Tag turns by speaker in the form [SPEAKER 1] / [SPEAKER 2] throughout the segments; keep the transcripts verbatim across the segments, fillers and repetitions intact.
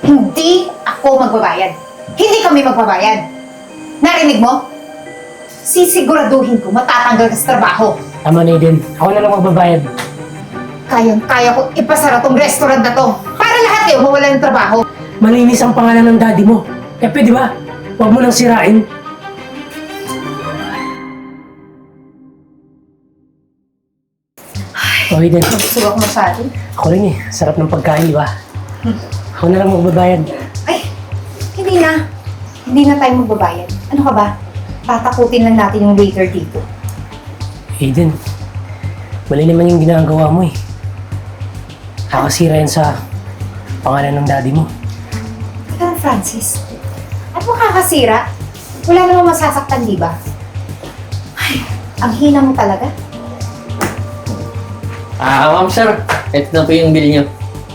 [SPEAKER 1] Hindi ako magbabayad. Hindi kami magbabayad. Narinig mo? Sisiguraduhin ko matatanggal ka sa trabaho.
[SPEAKER 2] Tama na Eden. Ako na lang magbabayad.
[SPEAKER 1] Kayang-kaya ko ipasara tong restaurant na to para lahat kayo mawala ng trabaho.
[SPEAKER 2] Malinis ang pangalan ng daddy mo. Kaya pwede ba? Huwag mo nang sirain. Oh, Eden.
[SPEAKER 1] Gusto ako masyado.
[SPEAKER 2] Ako rin eh. Sarap ng pagkain, di ba? Ako na lang magbabayad.
[SPEAKER 1] Ay, hindi na. Hindi na tayo magbabayad. Ano ka ba? Tatakutin lang natin yung waiter dito.
[SPEAKER 2] Eden, mali naman yung ginagawa mo eh. Nakasira yan sa pangalan ng daddy mo.
[SPEAKER 1] Teka lang, Francis. At makakasira? Wala namang masasaktan, di ba? Ay, ang hina mo talaga.
[SPEAKER 3] Ah, ma'am sir. Ito na po yung bill niyo.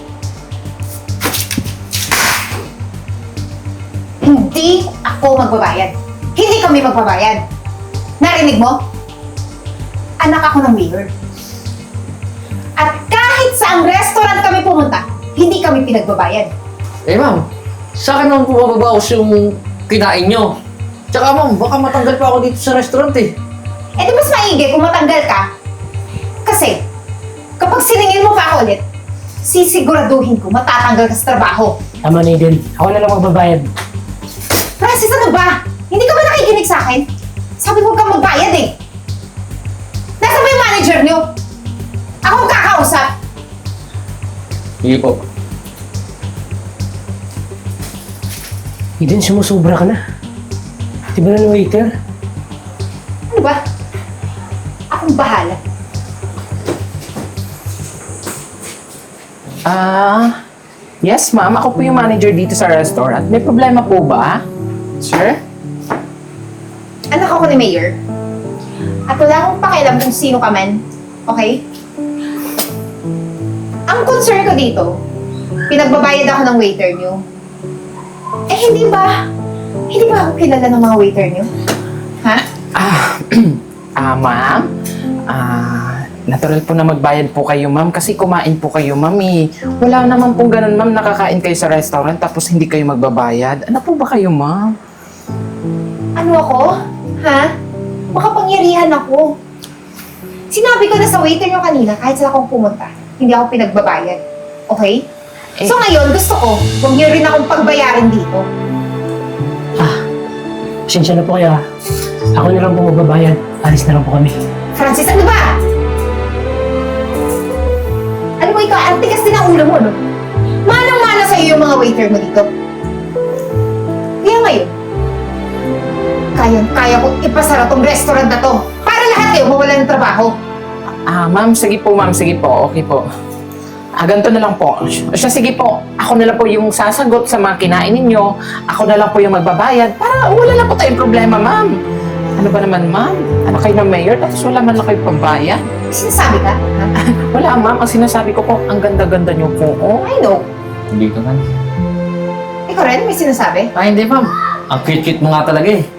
[SPEAKER 1] Hindi ako magbabayad. Hindi kami magbabayad. Narinig mo? Anak ako ng mayor. At kahit saang restaurant kami pumunta, hindi kami pinagbabayad.
[SPEAKER 3] Eh ma'am, sa akin naman po mababawas yung kinain niyo. Tsaka ma'am, baka matanggal pa ako dito sa restaurant eh.
[SPEAKER 1] Eh di mas maigi kung matanggal ka. Kasi, kapag siningil mo pa ako ulit, sisiguraduhin ko matatanggal ka sa trabaho.
[SPEAKER 2] Tama na Eden. Ako na lang magbabayad.
[SPEAKER 1] Francis, ano ba? Hindi ka ba nakikinig sa akin? Sabi ko kang magbayad eh. Nasaan ba yung manager niyo? Ako ang kakausap.
[SPEAKER 3] Sige po.
[SPEAKER 2] Eden, sumusubra ka na. Di ba na ng waiter?
[SPEAKER 1] Ano ba? Akong bahala.
[SPEAKER 4] Ah, yes ma'am. Ako po yung manager dito sa restaurant. May problema po ba? Sir?
[SPEAKER 1] Anak ako ni Mayor. At wala akong pakialam kung sino ka man. Okay? Ang concern ko dito, pinagbabayad ako ng waiter niyo. Eh, hindi ba? Hindi ba ako kilala ng mga waiter niyo? Ha?
[SPEAKER 4] Ah, ah ma'am? Ah, natural po na magbayad po kayo ma'am kasi kumain po kayo ma'am eh. Wala naman pong ganun ma'am, nakakain kayo sa restaurant tapos hindi kayo magbabayad. Ano po ba kayo ma'am?
[SPEAKER 1] Ano ako? Ha? Makapangyarihan ako. Sinabi ko na sa waiter niyo kanina, kahit saan akong pumunta, hindi ako pinagbabayad. Okay?
[SPEAKER 4] Eh.
[SPEAKER 1] So ngayon, gusto ko, huwag niyo rin akong pagbayarin dito.
[SPEAKER 2] Ah, pasensya na po kaya. Ako na lang po magbabayad. Alis na lang po kami.
[SPEAKER 1] Francis, ano ba? Alam mo ikaw, ang tigas din ang ulo mo, no? Manang-mana sa'yo yung mga waiter mo dito. Kaya ngayon, kayang-kaya ko ipasara tong restaurant na to para lahat kayo mawala ng trabaho.
[SPEAKER 4] Ah, ma'am, sige po ma'am, sige po. Okay po. Ah, ganito na lang po. Siya, sige po. Ako na lang po yung sasagot sa mga kinain ninyo. Ako na lang po yung magbabayad para wala na po tayong problema, ma'am. Ano ba naman, ma'am? Ano kayo ng mayor tapos wala man lang kayo pambayad?
[SPEAKER 1] May sinasabi ka? Ha?
[SPEAKER 4] Wala, ma'am. Ang sinasabi ko po, ang ganda-ganda niyo po. Oh.
[SPEAKER 1] I know.
[SPEAKER 3] Dito man.
[SPEAKER 1] Ikaw rin, may sinasabi?
[SPEAKER 3] Ay hindi ma'am. Ang cute-cute mo nga talaga eh.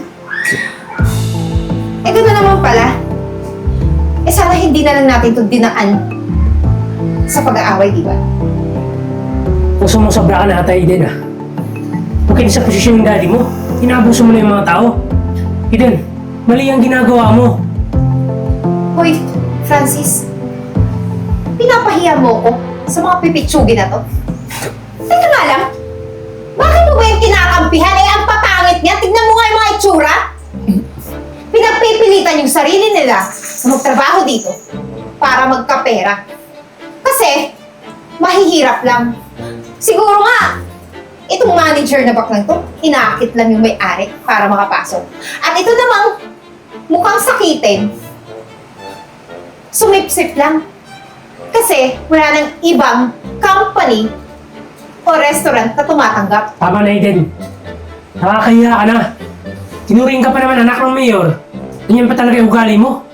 [SPEAKER 1] Eh, gano'n naman pala. Eh, sana hindi na lang natin ito dinaan sa pag-aaway, di ba?
[SPEAKER 2] Kung sumusobra ka na ata, Eden ah. Huwag kayo sa posisyon ng daddy mo. Inaabuso mo na yung mga tao. Eden, mali ang ginagawa mo.
[SPEAKER 1] Hoy, Francis. Pinapahiya mo ko sa mga pipitsugin na to. Teka nga lang. Bakit mo ba yung kinakampihan? Eh, ang papangit niya. Tignan mo nga yung mga itsura. Pinagpipilitan yung sarili nila na magtrabaho dito para magkapera. Kasi, mahihirap lang. Siguro nga, itong manager na baklang to, inaakit lang yung may-ari para makapasok. At ito namang mukhang sakitin, sumipsip lang. Kasi wala nang ibang company o restaurant na tumatanggap.
[SPEAKER 2] Tama na, Eden. Nakakahiya ka na. Tinuring ka pa naman anak ng mayor. Ganyan pa talaga yung ugali mo.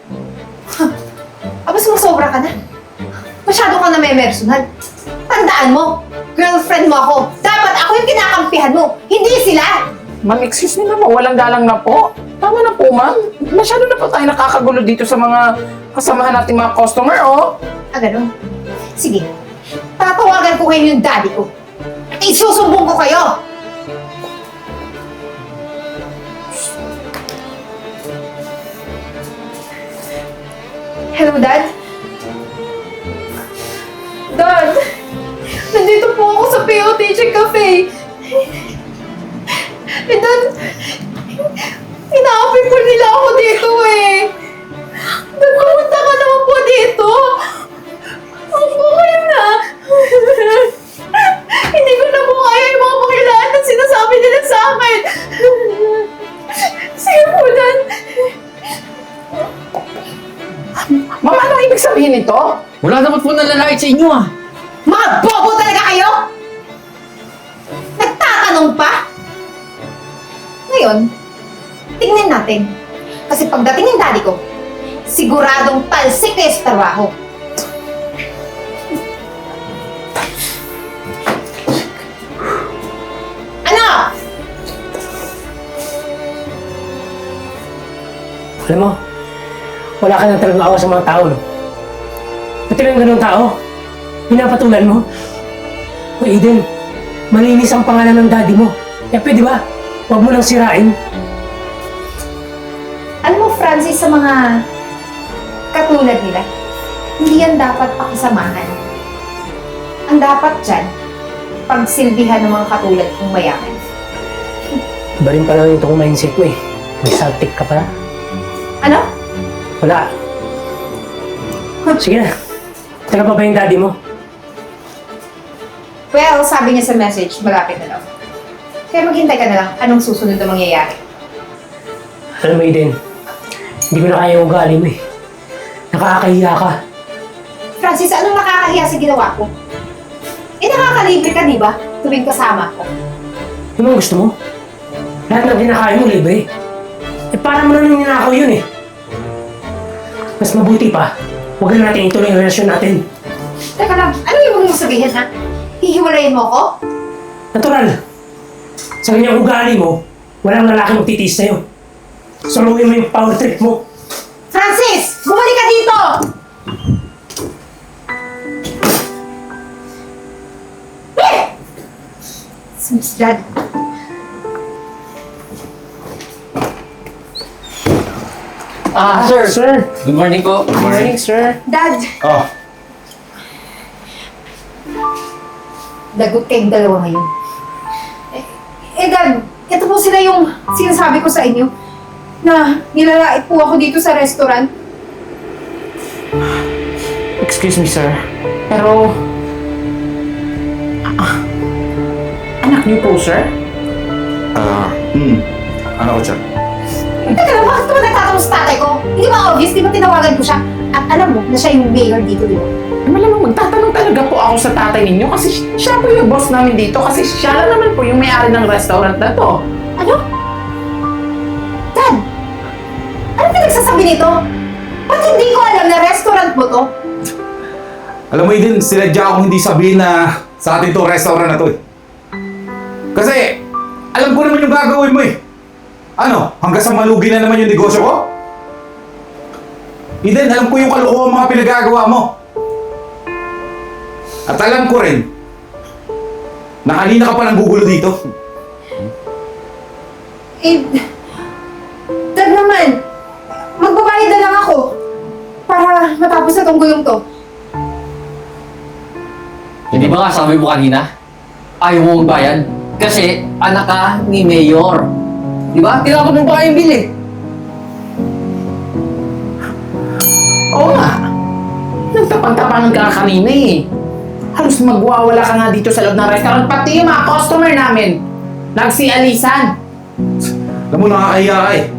[SPEAKER 1] Aba, sumusobra ka na. Masyado ka na may personal. Tandaan mo, girlfriend mo ako. Dapat ako yung kinakampihan mo, hindi sila.
[SPEAKER 4] Ma'am, excuse me naman. Walang galang na po. Tama na po, ma'am. Masyado na po tayo nakakagulo dito sa mga kasamahan nating mga customer, oh.
[SPEAKER 1] Ah, ganun. Sige, tatawagan ko ngayon yung daddy ko. At Isusumbong ko kayo! Hello, Dad? Dad! Nandito po ako sa P O T J Cafe. Eh, Dad, inaapi po nila ako dito eh. Dad, pumunta ka naman po dito. Opo, kayo na. Hindi ko na po kaya yung mga pakilaan na sinasabi nila sa akin. Sige po, Dad.
[SPEAKER 4] Ma'am, ano ibig sabihin nito?
[SPEAKER 3] Wala naman po nalalait sa inyo ah.
[SPEAKER 1] Mga bobo talaga kayo! Nagtatanong pa? Ngayon, tingnan natin. Kasi pagdating ng daddy ko, siguradong talsik kayo sa trabaho. Ano?
[SPEAKER 2] Alam mo, wala ka na talagang awa sa mga tao, no? Pati lang ganun tao, pinapatulan mo. O Eden, malinis ang pangalan ng daddy mo. Kaya pwede ba? Huwag mo nang sirain.
[SPEAKER 1] Alam mo, Francis, sa mga katulad nila, hindi yan dapat pakisamahan. Ang dapat dyan, pagsilbihan ng mga katulad kong mayaman.
[SPEAKER 2] Iba rin pala itong mindset mo eh. May saltik ka pala.
[SPEAKER 1] Ano?
[SPEAKER 2] Wala. Sige na. Taga pa ba yung daddy mo?
[SPEAKER 1] Well, sabi niya sa message, malapit na daw. Kaya maghintay ka na lang anong susunod na mangyayari.
[SPEAKER 2] Alam mo, Eden, hindi ko na kaya yung ugali mo eh. Nakakahiya ka.
[SPEAKER 1] Francis, anong nakakahiya sa ginawa ko? Eh, nakakalibre ka, di ba? Tuwing kasama ko.
[SPEAKER 2] Yung mga gusto mo? Lahat ng kinakain mo, libre. Eh, para mo na nang ninakaw yun eh. Mas mabuti pa, huwag na natin ituloy yung relasyon natin.
[SPEAKER 1] Teka lang, ano yung huwag mong sabihin, ha? Hihiwalayin mo ko?
[SPEAKER 2] Natural. Sa ganyang ugali mo, walang lalaki magtitiis sa'yo. Suluhin mo yung power trip mo.
[SPEAKER 1] Francis! Bumalik ka dito! Eh! Sus, Dad.
[SPEAKER 3] Ah, sir.
[SPEAKER 2] Sir.
[SPEAKER 3] Good morning po.
[SPEAKER 2] Good morning, sir.
[SPEAKER 1] Dad,
[SPEAKER 5] Oh,
[SPEAKER 1] lagot kayong dalawa ngayon. Eh, eh, Dad, ito po sila yung sinasabi ko sa inyo na nilalait po ako dito sa restaurant.
[SPEAKER 4] Excuse me, sir. Pero... Ah, anak niyo po, sir?
[SPEAKER 5] ah, hmm. Ano ko siya?
[SPEAKER 1] Teka lang, bakit ka ba nagtatanong sa tatay ko? Hindi ba obvious? Di ba tinawagan ko siya? At alam mo na siya yung mayor dito, di ba?
[SPEAKER 4] Eh, malamang magtatanong talaga po ako sa tatay ninyo kasi siya po yung boss namin dito kasi siya lang naman po yung may-ari ng restaurant na to.
[SPEAKER 1] Ano? Dad! Ano pinagsasabi nito? Ba't hindi ko alam na restaurant mo to?
[SPEAKER 5] Alam mo din, sinadya akong hindi sabihin na sa atin to restaurant na to eh. Kasi, alam ko naman yung gagawin mo eh. Ano, hanggang sa malugi na naman yung negosyo ko? Eden, alam ko yung kalokohan mga pinagagawa mo. At alam ko rin, na kanina ka pa nang gugulo dito.
[SPEAKER 1] Eh, Dad naman, magbabayad na lang ako para matapos na tong gulong to.
[SPEAKER 3] Hindi ba nga sabi mo kanina? Ayaw mo magbayad? Kasi anak ka ni Mayor. Di ba? Tinapot mo pa kayong bill eh.
[SPEAKER 4] Oo nga. Nagtapang-tapangan ka kanina eh. Halos magwawala ka nga dito sa loob ng restaurant. Pati yung mga customer namin. Nagsialisan.
[SPEAKER 5] Alam mo, nakakahiya ka eh.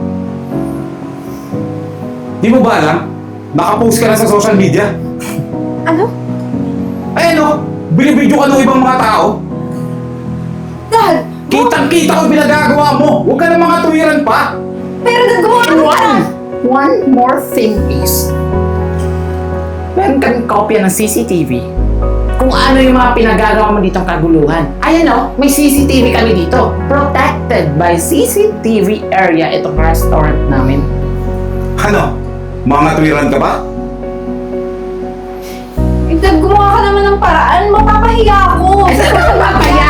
[SPEAKER 5] Di mo ba alam? Nakapost ka na sa social media.
[SPEAKER 1] Ano?
[SPEAKER 5] Ay ano, binibidyo ka ng ibang mga tao.
[SPEAKER 1] Dad!
[SPEAKER 5] Kitang-kita ko yung pinagagawa mo. Huwag ka na mga tuwiran pa.
[SPEAKER 1] Pero Dad, gumawa ka
[SPEAKER 4] One,
[SPEAKER 1] na!
[SPEAKER 4] one more thing is, meron kaming kopya ng C C T V kung ano yung mga pinagagawa mo ditong kaguluhan. Ayan o, may C C T V kami dito. Protected by C C T V area itong restaurant namin.
[SPEAKER 5] Ano? Mga tuwiran ka ba?
[SPEAKER 1] Eh, Dad, gumawa ka naman ng paraan. Mapapahiya ako.
[SPEAKER 4] Ay, saan ka magpapaya?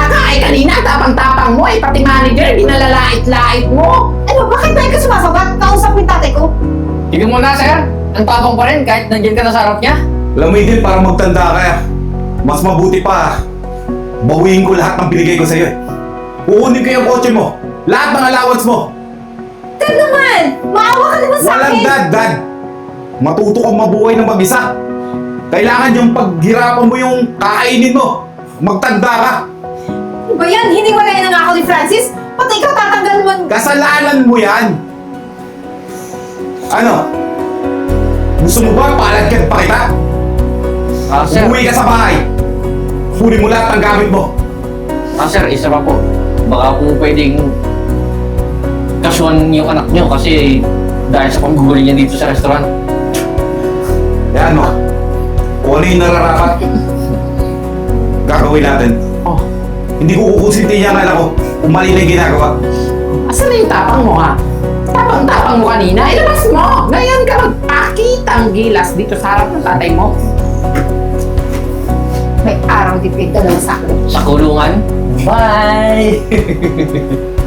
[SPEAKER 4] kanina, tapang-tapang mo eh. Pati manager, dinalalait-lait mo.
[SPEAKER 1] Ano, bakit ba ka sumasagot? Kausap mo yung tatay ko.
[SPEAKER 3] Tignan mo na, sir. Ang tapang pa rin kahit nandiyan ka na sa harap niya.
[SPEAKER 5] Alam mo Eden, para magtanda ka, mas mabuti pa, bawiin ko lahat ng binigay ko sa'yo eh. Kukunin ko yung kotse mo, lahat ng allowance mo.
[SPEAKER 1] Dad naman! Maawa ka naman sa
[SPEAKER 5] Walang
[SPEAKER 1] akin!
[SPEAKER 5] dad, dad. Matuto kang mabuhay ng mag-isa. Kailangan yung paghirapan mo yung kakainin mo. Magtanda ka.
[SPEAKER 1] Ano ba yan? Hiniwalay na nga ako ni Francis. Pati ikaw tatanggal mo.
[SPEAKER 5] Kasalanan mo yan. Ano? Gusto mo ba palagyan pa kita?
[SPEAKER 3] Ah, sir.
[SPEAKER 5] Umuwi ka sa bahay. Kunin mo lahat ng gamit mo.
[SPEAKER 3] Ah, sir, isa pa po. Baka po pwedeng kasuhan yung anak niyo kasi dahil sa pangguguli niya dito sa restaurant.
[SPEAKER 5] Yan mo. Kung ano yung nararapat, gagawin natin.
[SPEAKER 4] Oh,
[SPEAKER 5] Hindi ko kukusinti niya ang anak ko kung mali na yung ginagawa.
[SPEAKER 4] asan na yung tapang mo ha? Tapang-tapang mo kanina, ilabas mo! Ngayon ka magpakitang gilas dito sa harap ng tatay mo.
[SPEAKER 1] May araw di pinagdala sa akin.
[SPEAKER 3] Sa kulungan. Bye!